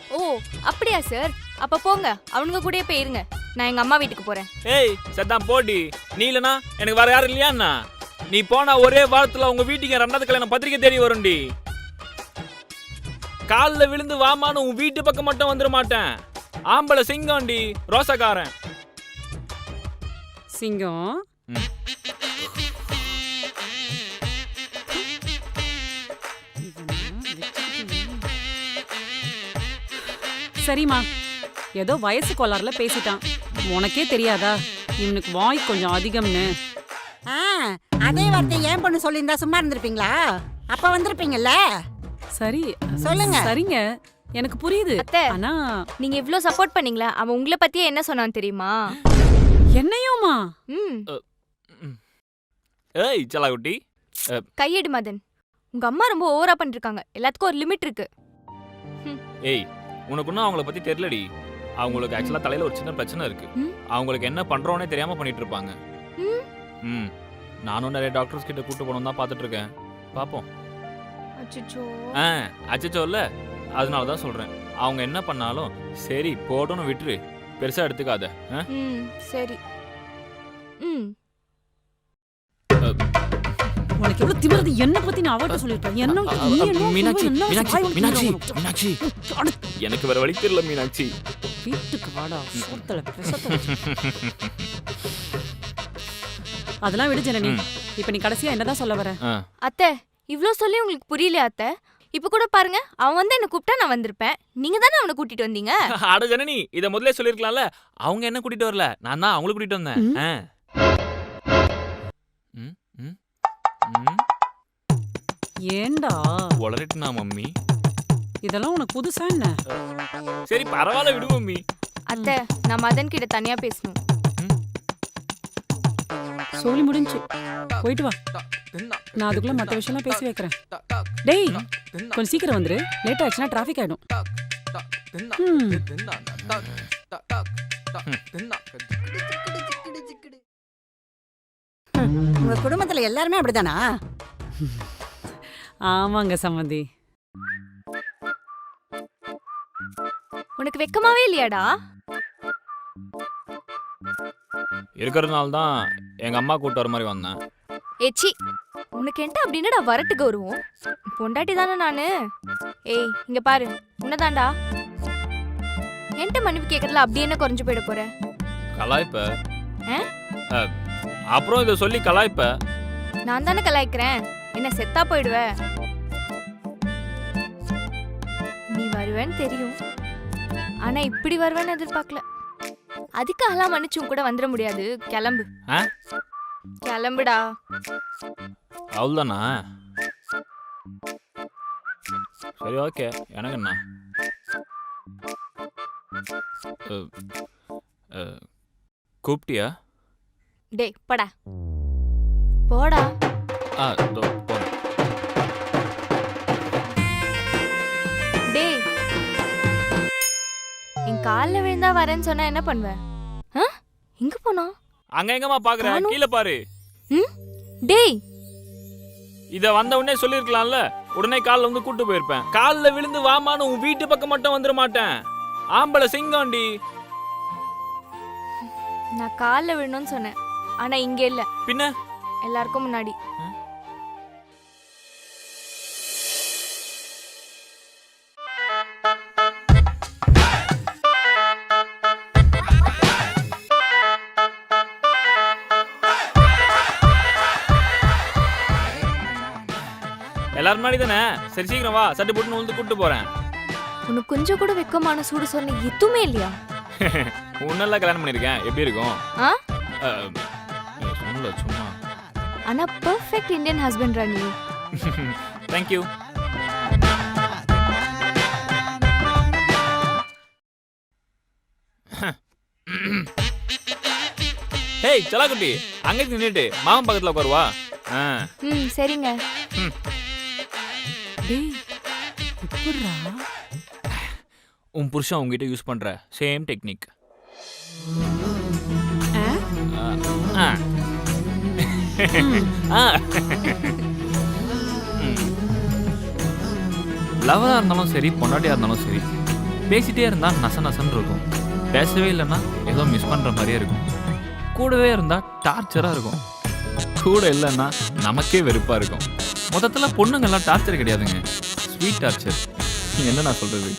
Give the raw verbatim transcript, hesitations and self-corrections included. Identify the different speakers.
Speaker 1: ஓ அப்படியா சார்? அப்ப போங்க, அவனுங்க கூடயே போயிருங்க. நான் எங்க அம்மா வீட்டுக்கு போறேன்.
Speaker 2: ஏய் சத்தான் போடி, நீ இல்லனா எனக்கு வேற யாரும் இல்லையாண்ணா? நீ போனா ஒரே வாரத்துல உங்க வீட்டுக்கு ரெண்டாவது கல்யாணம் பத்திரிக்கை தேடி வரும்டி. காலில் விழுந்து வாமான்னு உன் வீட்டு பக்கம் மட்டும் வந்துட மாட்டேன். ஆம்பளை சிங்கம்டி, ரோசக்காரன்
Speaker 3: சிங்கம். சரிம்மா, ஏதோ வயசு கோளாறுல பேசிட்டான். உனக்கே தெரியாதா இவனுக்கு வாய் கொஞ்சம் அதிகம்னு?
Speaker 4: ஆ, அதே வார்த்தை ஏன் பொண்ணு சொல்லியிருந்தா சும்மா இருந்திருப்பீங்களா? அப்ப வந்திருப்பீங்கல்ல.
Speaker 3: சரி
Speaker 4: சொல்லுங்க.
Speaker 3: சரிங்க, எனக்கு புரியுது.
Speaker 1: அத்தை,
Speaker 3: ஆனா
Speaker 1: நீங்க இவ்ளோ சப்போர்ட் பண்ணீங்களா? அவன் உங்களை பத்தியே என்ன சொன்னான் தெரியுமா?
Speaker 3: என்னையுமா?
Speaker 1: ம்.
Speaker 2: ஏய் சலாகுட்டி,
Speaker 1: கையெடு மதன். உங்க அம்மா ரொம்ப ஓவரா பண்ணிருக்காங்க. எல்லாத்துக்கும் ஒரு லிமிட் இருக்கு.
Speaker 2: ஏய் உனக்கு இன்னும் அவங்கள பத்தி தெரியலடி. அவங்களுக்கு ஆக்சுவலா தலையில ஒரு சின்ன பிரச்சனை இருக்கு. அவங்களுக்கு என்ன பண்றோன்னே தெரியாம பண்ணிட்டு இருப்பாங்க. ம், நானும் நிறைய டாக்டர்ஸ் கிட்ட கூட்டு போகணும் தான் பார்த்துட்டு இருக்கேன். பாப்போம்.
Speaker 1: அச்சச்சோ.
Speaker 2: ஆ அச்சச்சோ இல்ல, அதனால தான் சொல்றேன். அவங்க என்ன பண்ணாலும் சரி போட்டோன்னு விட்டுரு, பெருசா எடுத்துக்காத.
Speaker 1: ம் சரி. ம்.
Speaker 3: உனக்கு எவ்வளவு திமிருது? என்ன பத்தி நான் அவட்ட சொல்லிட்டேன். என்ன நீ என்ன
Speaker 2: மீனாட்சி
Speaker 3: என்ன
Speaker 2: மீனாட்சி
Speaker 3: வாய்
Speaker 2: மீனாட்சி
Speaker 3: வலிக்குது?
Speaker 2: மீனாட்சி எனக்கு வேற வழி தெரியல மீனாட்சி.
Speaker 3: வீட்டுக்கு வாடா, சோத்தல பிரசத்தல. அதெல்லாம் விடு ஜனனி. இப்போ நீ கடைசியா என்னதான் சொல்ல வர?
Speaker 1: அத்தை, இவ்ளோ சொல்லி உங்களுக்கு புரியலையா அத்தை? இப்ப கூட பாருங்க, அவன் வந்து என்ன கூப்பிட்டா நான் வந்திருப்பேன். நீங்க தானே அவனை கூட்டிட்டு வந்தீங்க.
Speaker 2: அட ஜனனி, இத முதல்ல சொல்லிருக்கலாம்ல. அவங்க என்ன கூட்டிட்டு வரல, நான் தான் அவங்கள கூட்டிட்டு வந்தேன். ம் ம் ம்.
Speaker 3: ஏண்டா
Speaker 2: உளறிட்டுனா மம்மி?
Speaker 3: இதெல்லாம் உனக்கு புதுசா என்ன?
Speaker 2: சரி பரவாயில்ல விடு மம்மி.
Speaker 1: அத்தை, நான் மதன் கிட்ட தனியா பேசணும்.
Speaker 3: சொல்லி முடிஞ்சு போயிட்டு வா. நான் அதுக்குள்ள மற்ற விஷயம்லாம் பேசி வைக்கிறேன். டேய் கொஞ்சம் சீக்கிரம் வந்துரு, லேட் ஆச்சுன்னா டிராஃபிக் ஆயிடும்.
Speaker 4: உங்க குடும்பத்துல எல்லாருமே அப்படிதானா?
Speaker 3: ஆமாங்க சம்மந்தி.
Speaker 1: உனக்கு வெக்கமாவே இல்லையாடா?
Speaker 2: இருக்கிறதுனால தான் எங்க அம்மா கூட்டு வர மாதிரி வந்தேன்.
Speaker 1: ஏச்சி, உனக்கு என்ன அப்படின்னா வரட்டு கௌரவம்? பொண்டாட்டி தானே நானு. ஏய் இங்க பாரு, உன்னதாண்டா. என்கிட்ட மன்னிப்பு கேட்கறதுல அப்படி என்ன குறைஞ்சு போயிட போற?
Speaker 2: கலாய்ப்ப. அப்புறம் இதை சொல்லி கலாய்ப்ப.
Speaker 1: நான் தானே கலாய்க்கிறேன், என்ன செத்தா போயிடுவ? நீ வருவேன்னு தெரியும், ஆனா இப்படி வருவேன்னு எதிர்பார்க்கல. அதுக்காகலாம் மன்னிச்சும் கூட வந்துட முடியாது. கிளம்பு கிளம்புடா.
Speaker 2: அவ்வளோதானா? சரி ஓகே, எனக்கு என்ன. கூப்பிட்டியா?
Speaker 1: டேய் படா போடா.
Speaker 2: ஆ இதோ போறேன்.
Speaker 1: டேய், என் காலில் விழுந்தா வரேன்னு சொன்னா என்ன பண்ணுவ? எங்க போனா?
Speaker 2: அங்க எங்கம்மா பாக்குற, கீழே பாரு.
Speaker 1: ம் டேய்,
Speaker 2: இத வந்த உடனே சொல்லிருக்கலாம்ல. உடனே கால்ல வந்து கூட்டு போயிருப்பேன். கால்ல விழுந்து வாமான்னு உன் வீட்டு பக்கம் மட்டும் வந்துட மாட்டேன். ஆம்பளை சிங்கம்டி.
Speaker 1: நான் கால்ல விழணும்னு சொன்னேன், ஆனா இங்க இல்ல,
Speaker 2: பின்ன
Speaker 1: எல்லாருக்கும் முன்னாடி.
Speaker 2: எல்லாரும் முன்னாடி தானே. சரி சீக்கிரம் வா, சட்டு போட்டு வந்து கூட்டு போறேன்.
Speaker 1: உனக்கு கொஞ்சம் கூட வெக்கமான சூடு சொன்ன எதுவுமே இல்லையா?
Speaker 2: உன்னெல்லாம் கல்யாணம் பண்ணிருக்கேன், எப்படி இருக்கும்?
Speaker 1: ஆ
Speaker 2: சொன்னல சும்மா.
Speaker 1: ஆனா perfect Indian husband Rani.
Speaker 2: Thank you. Hey சலாக்குட்டி, அங்க நின்னுட்டு மாமா பக்கத்துல உட்காருவா.
Speaker 1: ம் சரிங்க.
Speaker 3: டேய் எப்படிடா
Speaker 2: உன் புருஷன் உங்ககிட்ட யூஸ் பண்ற சேம் டெக்னிக். லவ்வரா இருந்தாலும் சரி, பொண்டாட்டியா இருந்தாலும் சரி, பேசிட்டே இருந்தால் நச நசன்னு இருக்கும், பேசவே இல்லைன்னா ஏதோ மிஸ் பண்ணுற மாதிரியே இருக்கும், கூடவே இருந்தால் டார்ச்சராக இருக்கும், கூட இல்லைன்னா நமக்கே வெறுப்பாக இருக்கும். மொத்தத்தில் பொண்ணுங்கள்லாம் டார்ச்சர் கிடையாதுங்க, ஸ்வீட் டார்ச்சர். என்ன நான் சொல்கிறது?